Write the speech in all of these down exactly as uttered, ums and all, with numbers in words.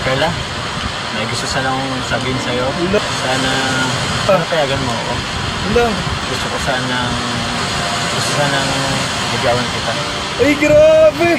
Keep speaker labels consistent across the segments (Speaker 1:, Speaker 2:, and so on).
Speaker 1: Carla, may gusto sanang sabihin sa'yo. Sana, sana payagan mo ako.
Speaker 2: Hello.
Speaker 1: Gusto ko sanang, gusto sanang ligawan kita.
Speaker 2: Ay, grabe!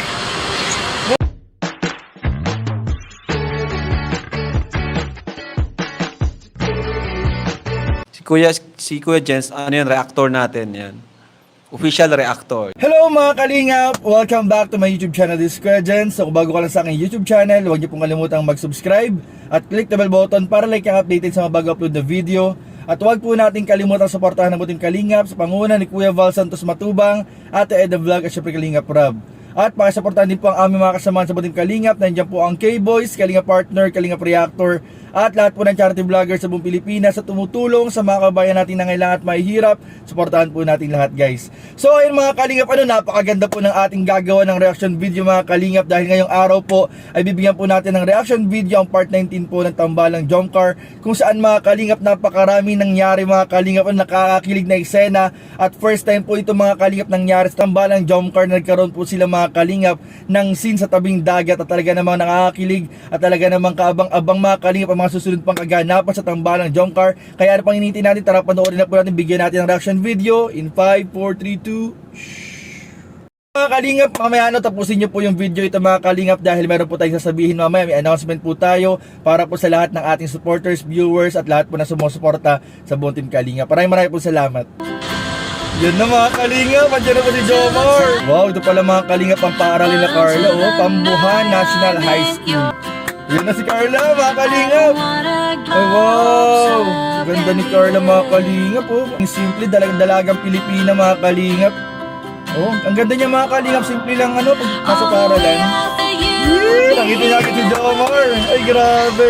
Speaker 2: Si Kuya, si Kuya Jens, ano yan, reactor natin yan. Official reactor. Hello mga kalingap! Welcome back to my YouTube channel, this is Kuya Jens. So kung bago ka lang sa aking YouTube channel, huwag niyo pong kalimutang mag-subscribe at click the bell button para like kang updated sa mga bago upload na video. At huwag po natin kalimutang suportahan ng buting kalingap sa panguna ni Kuya Val Santos Matubang, Ate Eda Vlog at syempre Kalingap Rob. At pakisuportahan din po ang aming mga kasamahan sa buting kalingap. Nandiyan po ang K-Boys, Kalingap Partner, Kalingap Reactor at lahat po ng charity vloggers sa buong Pilipinas sa tumutulong sa mga kabayan natin na ngailangan at mahihirap. Suportahan po natin lahat, guys. So ayun mga kalingap, ano, napakaganda po ng ating gagawa ng reaction video mga kalingap, dahil ngayong araw po ay bibigyan po natin ng reaction video ang part nineteen po ng Tambalang Jomcar, kung saan mga kalingap napakarami nangyari mga kalingap, ang nakakakilig na eksena. At first time po ito mga kalingap nangyari sa Tambalang Jomcar, na nagkaroon po sila mga kalingap ng scene sa tabing dagat at talaga namang nakakakilig at talaga namang kaabang-abang mga kalingap ang mga susunod pang kaganapan sa Tambalang Jomcar. Kaya ano pang hinihintay natin, tara panoorin na po natin, bigyan natin ng reaction video in five, four, three, two. Mga kalingap, mamaya ano, tapusin nyo po yung video ito mga kalingap, dahil meron po tayong sasabihin mamaya, may announcement po tayo para po sa lahat ng ating supporters, viewers at lahat po na sumusuporta sa buong team Kalingap. Maraming maraming po salamat. Yan na mga kalingap, andyan na po si Jomar. Wow, ito pala mga kalingap ang paaralin na Carla, oh, Pambuhan National High School. Yan na si Carla mga kalingap. Ay wow, ganda ni Carla mga kalingap, oh. Ang simple, dalag-dalagang Pilipina mga kalingap. Oh, ang ganda niya mga kalingap, simple lang ano, pag nasa paaralan. Yee, nakita natin si Jomar. Ay grabe.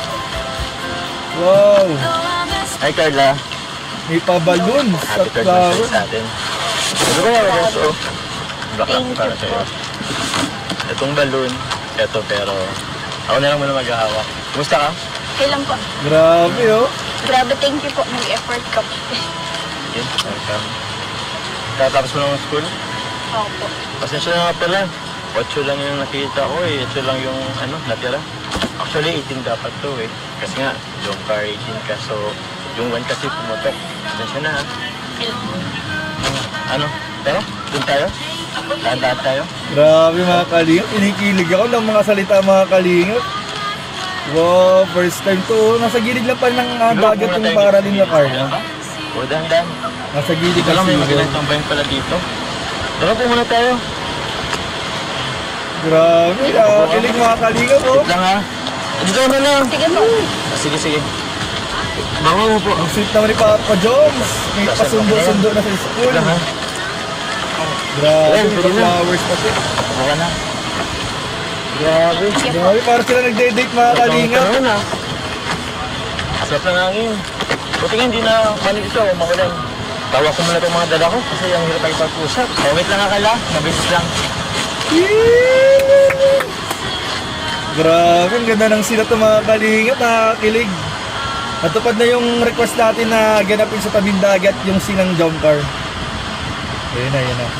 Speaker 2: Wow.
Speaker 1: Hi Carla.
Speaker 2: May pa-balloons
Speaker 1: Happy
Speaker 2: at
Speaker 1: birthday
Speaker 2: flower.
Speaker 1: sa atin. Ano ba yung balloons, oh? Baka para sa'yo. Itong balloon, ito pero ako na lang muna maghahawak. Kumusta ka?
Speaker 3: Okay lang po.
Speaker 2: Grabe oh.
Speaker 3: Grabe, thank you po. Nag-effort ka po.
Speaker 1: Okay, welcome. Tatapos mo lang ang school?
Speaker 3: Opo.
Speaker 1: Pasensya na nga pala. Ocho lang yung nakita ko eh. Ocho lang yung ano, natira. Actually, eighteen dapat to eh. Kasi nga, yung car eighteen ka. So, yung one kasi pumutok. Pasensya na ha.
Speaker 3: Okay lang.
Speaker 1: Ano? Tara, dun tayo? Lahat-lahat tayo?
Speaker 2: Grabe mga kalingap, inikilig ako ng mga salita mga kalingap. Wow, first time to. Oh. Nasa gilid lang pa ng uh, dagat yung paaralin na Carla.
Speaker 1: O, dahan-dahan.
Speaker 2: Nasa gilid
Speaker 1: Ito lang, may
Speaker 2: kasi.
Speaker 1: magandang tambayan pala dito. Tara po muna tayo.
Speaker 2: Grabe, nakakilig mga kalingap oh.
Speaker 1: Wait lang ha. Dito na lang.
Speaker 3: Sige po.
Speaker 1: Ah, sige, sige. Bango mo po.
Speaker 2: Ang sweet naman ni Papa Jones. May pasundo-sundo na sa school.
Speaker 1: Wait lang ha.
Speaker 2: Grabe,
Speaker 1: Ayan,
Speaker 2: may
Speaker 1: pwede na.
Speaker 2: flowers pati.
Speaker 1: Ako ka na. Grabe.
Speaker 2: Grabe, parang sila nagde-date mga kalingap.
Speaker 1: Ito naman ha. Sarap ng hangin. Buti nga hindi na manig ito, makulan. Tawa ko muna itong mga dala ko kasi ang hirap ay pag-usap. Oh, wait lang akala, mabilis lang.
Speaker 2: Grabe, ang ganda ng sila ito mga kalingap, nakakilig. Natupad na yung request natin na ganapin sa tabing dagat yung sinang Jomcar. Ayun na, ayun na.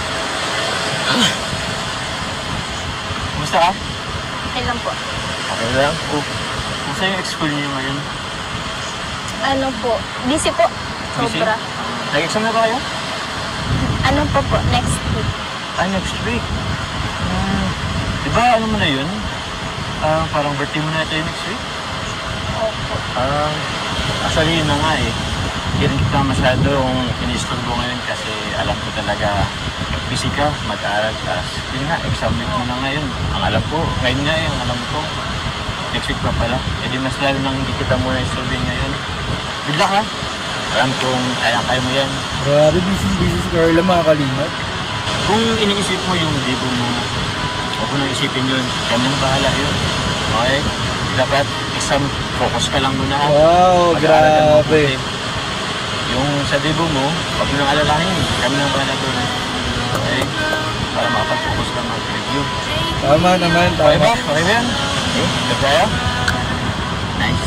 Speaker 1: Kumusta ka?
Speaker 3: Okay lang po.
Speaker 1: Okay lang. Oh, kumusta yung ex-school niyo ngayon?
Speaker 3: Ano po? Busy po.
Speaker 1: Busy?
Speaker 3: Sobra.
Speaker 1: Nag-exam na ba kayo?
Speaker 3: Ano po po? Next week.
Speaker 1: Ah, next week. Hmm. Diba ano mo na yun? Ah, parang birthday mo na ito yung next week?
Speaker 3: Opo.
Speaker 1: Ah, actually yun na nga eh. Hindi rin kita masyadong ini-struggle ngayon kasi alam ko talaga busy ka, mag-aaral, tapos yun nga, exam week mo na ngayon. Ang alam ko, ngayon nga eh, ang alam ko, next week pa pala. E di mas lalo nang hindi kita muna i-survey ngayon. Good luck ha! Alam kong kaya-kaya mo yan.
Speaker 2: Grabe, busy busy si Carla mga kalingap.
Speaker 1: Kung iniisip mo yung libo mo, huwag mo nang isipin yun. Kami na bahala yun. Okay? Dapat exam focus ka lang muna ha.
Speaker 2: Wow,
Speaker 1: Mag-aaral ka
Speaker 2: grabe.
Speaker 1: mabuti. Yung sa libo mo, huwag mo nang alalahin. Kami na bahala doon. Okay? Para makapag-focus ka mag-review.
Speaker 2: Tama naman,
Speaker 1: Okay ba?
Speaker 2: tama.
Speaker 1: Okay ba yan? Okay? Good tayo? Nice.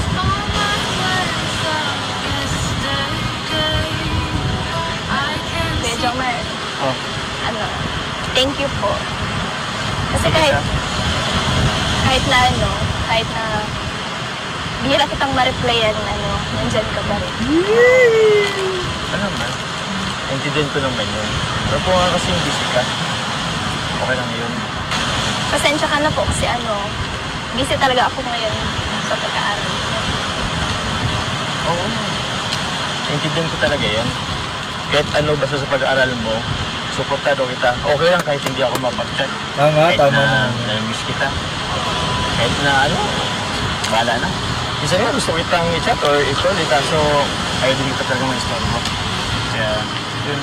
Speaker 3: Kuya Jomar,
Speaker 1: Oh,
Speaker 3: ano, thank you po. Kasi
Speaker 1: okay
Speaker 3: kahit,
Speaker 1: ka?
Speaker 3: kahit na ano, kahit na bihira kitang ma-replyan, ano, nandyan ka pa rin.
Speaker 1: Ano naman? Intindihan ko naman yun. Pero po nga kasi yung busy ka. Okay lang yun.
Speaker 3: Pasensya ka na po kasi ano, busy talaga ako ngayon sa pag-aaral.
Speaker 1: Oo. Intindihan ko talaga yun. Kahit ano basta sa pag-aaral mo, suportado kita. Okay lang kahit hindi ako mapag-chat.
Speaker 2: Tama,
Speaker 1: Kahit
Speaker 2: tama
Speaker 1: na
Speaker 2: na.
Speaker 1: nami-miss kita. Kahit na ano, bahala na. Isa nga gusto kitang i-chat or i-call eh, kaso ayaw din ka talaga ma-store mo. Kaya, yun.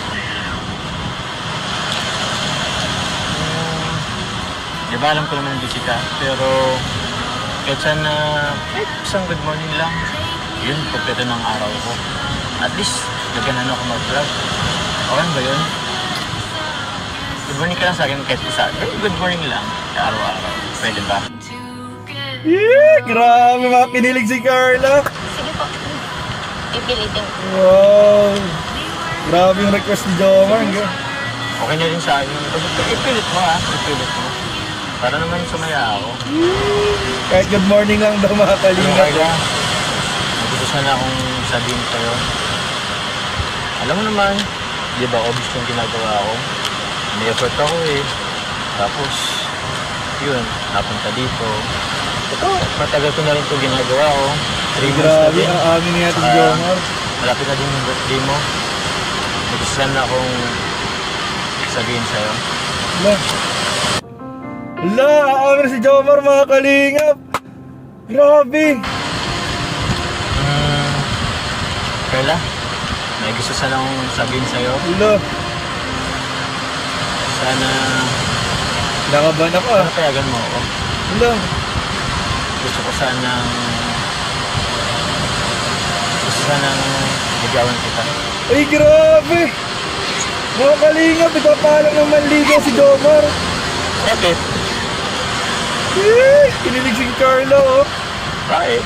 Speaker 1: Hmm, di ba alam ko naman busy ka, pero kahit sana, kahit isang good morning lang, yun, kompleto ng araw ko. At least, gaganan ako mag-vlog. Okay ba yun? Good morning ka lang sa akin kahit isa. Eh, good morning lang, araw-araw. Pwede ba?
Speaker 2: Yeah, grabe mga kinilig si Carla.
Speaker 3: Sige po, pipilitin ko.
Speaker 2: Wow. Grabe yung request ni Jomar.
Speaker 1: Okay na rin sa akin. Basta ipilit mo ha, ipilit mo. Para naman sumaya ako.
Speaker 2: Kahit good morning lang daw mga
Speaker 1: Ano
Speaker 2: kalingap.
Speaker 1: kaya? Nagusto sana akong sabihin sa'yo. Alam mo naman, di ba obvious yung ginagawa ko? May effort ako eh. Tapos, yun, napunta dito. Ito, matagal ko na rin ito ginagawa ko. Three months na
Speaker 2: Grabe,
Speaker 1: din.
Speaker 2: ang amin nga ito si
Speaker 1: Ah,
Speaker 2: Jomar.
Speaker 1: Malapit na din yung birthday mo. Gusto sana akong sabihin sa'yo.
Speaker 2: Ala. Ala, aamin si Jomar mga kalingap. Grabe.
Speaker 1: Hmm, Carla, may gusto sana akong sabihin sa'yo.
Speaker 2: Ala,
Speaker 1: Sana,
Speaker 2: nakaban ako ah.
Speaker 1: sana payagan mo ako.
Speaker 2: Ala,
Speaker 1: Gusto ko sanang... Gusto sanang ligawan kita.
Speaker 2: ay grabe. Mga kalingap, ipapaalam ng manligaw si Jomar.
Speaker 1: Bakit?
Speaker 2: Eh, kinilig si Carla oh.
Speaker 1: Bakit?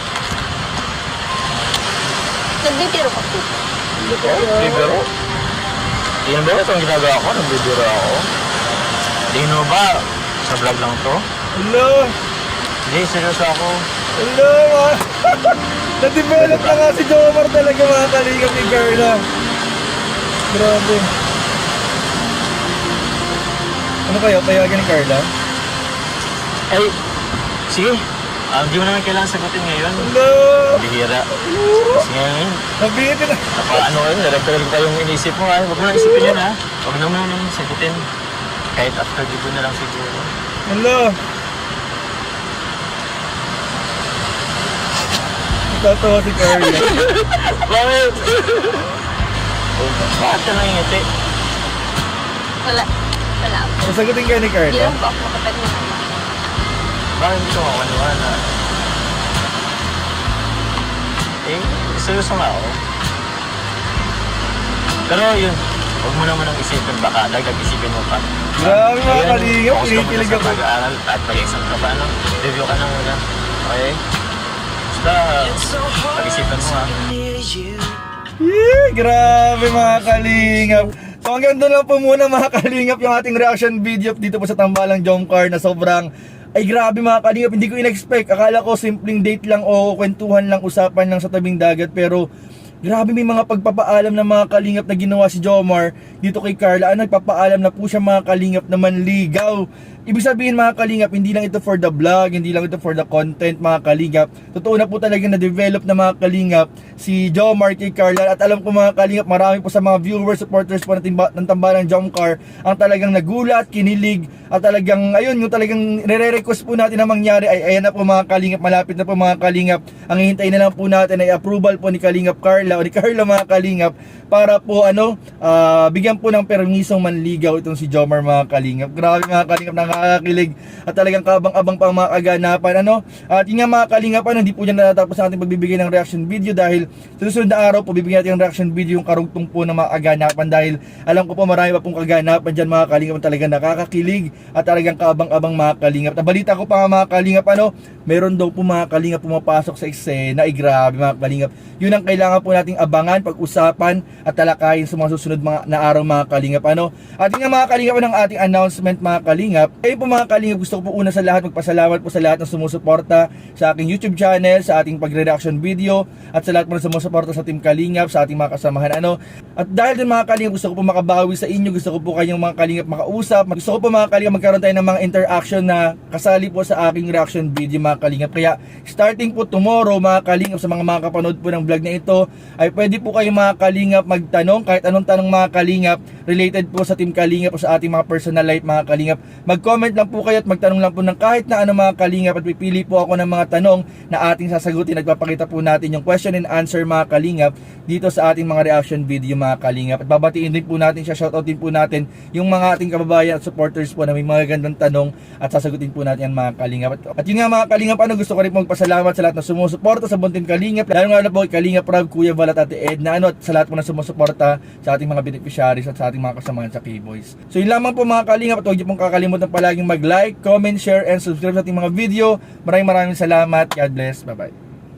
Speaker 3: Nagbibiro ka po.
Speaker 1: Nagbibiro? Tingnan ba ito ang ginagawa ko? Nagbibiro ako? Tingnan mo ba? Sa vlog lang to?
Speaker 2: Ala,
Speaker 1: Hindi, seryoso ako.
Speaker 2: ala mga. Na-develop na nga si Jomar talaga mga kalingap ni Carla. Grabe. Ano kayo? Payagan ni Carla?
Speaker 1: Ay, sige. Ah, Hindi mo naman kailangan sagutin ngayon.
Speaker 2: Ala,
Speaker 1: Bihira. Kasi ngayon,
Speaker 2: nabitin na.
Speaker 1: napa, ano kayo, naragtagal ko kayong inisip mo ha. Huwag mo na isipin yun ha. Huwag na mo na naman sagutin. Kahit after dito na lang siguro.
Speaker 2: Ala. Tatawa si Carla.
Speaker 1: Bakit? Bakit ka nangingiti?
Speaker 3: Wala. Wala po.
Speaker 2: Masagutin kayo ni
Speaker 3: Hindi
Speaker 2: Carla.
Speaker 3: lang po ako makapag-naman.
Speaker 1: Bakit hindi ko makakaniwala? Eh, seryoso nga ako. Pero yun, huwag mo naman ang isipin, baka dagdag isipin mo pa.
Speaker 2: Grabe mga
Speaker 1: Ngayon,
Speaker 2: kalingap,
Speaker 1: focus ka muna
Speaker 2: kinikilig
Speaker 1: sa
Speaker 2: ako.
Speaker 1: pag-aaral at mag-exam ka pa, ano? Review ka na muna. Okay? Basta, pag-isipan mo ha.
Speaker 2: Yeah, grabe mga kalingap. So hanggang doon lang po muna mga kalingap yung ating reaction video dito po sa Tambalang Jomcar na sobrang ay grabe mga kalingap, hindi ko in-expect. Akala ko simpleng date lang o kwentuhan lang, usapan lang sa tabing dagat, pero grabe may mga pagpapaalam ng mga kalingap na ginawa si Jomar dito kay Carla. Ano, nagpapaalam na po siya mga kalingap na manligaw. Ibig sabihin mga kalingap, hindi lang ito for the vlog, hindi lang ito for the content mga kalingap. Totoo na po talaga na-develop na mga kalingap si Jomar kay Carla. At alam ko mga kalingap, marami po sa mga viewers, supporters po ng, timba, ng Tambalang Jomcar ang talagang nagulat, kinilig, at talagang, ayun, yung talagang nire-request po natin na mangyari ay ayan na po mga kalingap, malapit na po mga kalingap. Ang hihintay na lang po natin ay approval po ni Kalingap Carla o ni Carla mga kalingap para po ano, ah, bigyan po ng permisong manligaw itong si Jomar mga kalingap. Grabe mga kalingap, nakakakilig at talagang kabang-abang pa ang mga kaganapan ano. At yun nga mga kalingap, ano, hindi po dyan natatapos ang ating pagbibigay ng reaction video dahil sa susunod na araw po bibigyan natin ng reaction video yung karugtong po ng mga kaganapan dahil alam ko po marami pa pong kaganapan dyan mga kalingap na talagang nakakakilig at talagang kabang-abang mga kalingap. Nabalita ko pa nga mga kalingap, ano, meron daw po mga kalingap pumapasok sa eksena. Ay grabe mga kalingap, yun ang kailangan po nating abangan, pag-usapan at talakayin sa mga susunod mga, na araw mga kalingap ano. At yun nga mga kalingap ng ating announcement mga kalingap, Ayun po mga kalingap, gusto ko po una sa lahat magpasalamat po sa lahat ng sumusuporta sa aking YouTube channel, sa ating pagre-reaction video, at sa lahat po na sumusuporta sa Team Kalingap, sa ating mga kasamahan. Ano? At dahil din mga kalingap, gusto ko po makabawi sa inyo, gusto ko po kayong mga kalingap makausap. Gusto ko po mga kalingap magkaroon tayo ng mga interaction na kasali po sa aking reaction video mga kalingap. Kaya starting po tomorrow mga kalingap, sa mga mga kapanood po ng vlog na ito, ay pwede po kayong mga kalingap magtanong, kahit anong tanong mga kalingap, related po sa Team Kalingap o sa ating mga personal life mga kalingap. Mag comment lang po kayo at magtanong lang po ng kahit na ano mga kalingap, at pipili po ako ng mga tanong na ating sasagutin. Nagpapakita po natin yung question and answer mga kalingap dito sa ating mga reaction video mga kalingap. At babatiin din po natin siya, shoutout din po natin yung mga ating kababayan at supporters po na may mga gandang tanong, at sasagutin po natin yan mga kalingap. At, at yun nga mga kalingap, ano, gusto ko rin po magpasalamat sa lahat na sumusuporta sa Buntin Kalingap, lalo nga na po kay Kalingap Rob, Kuya Val at Ate Edna, ano, at sa lahat po na sumusuporta sa ating mga beneficiaries at sa ating mga kasamahan sa K-Boys. So yun lamang po mga kalingap, at huwag niyo pong kakalimutan palaging mag like, comment, share, and subscribe sa ating mga video. Maraming maraming salamat. God bless. Bye-bye.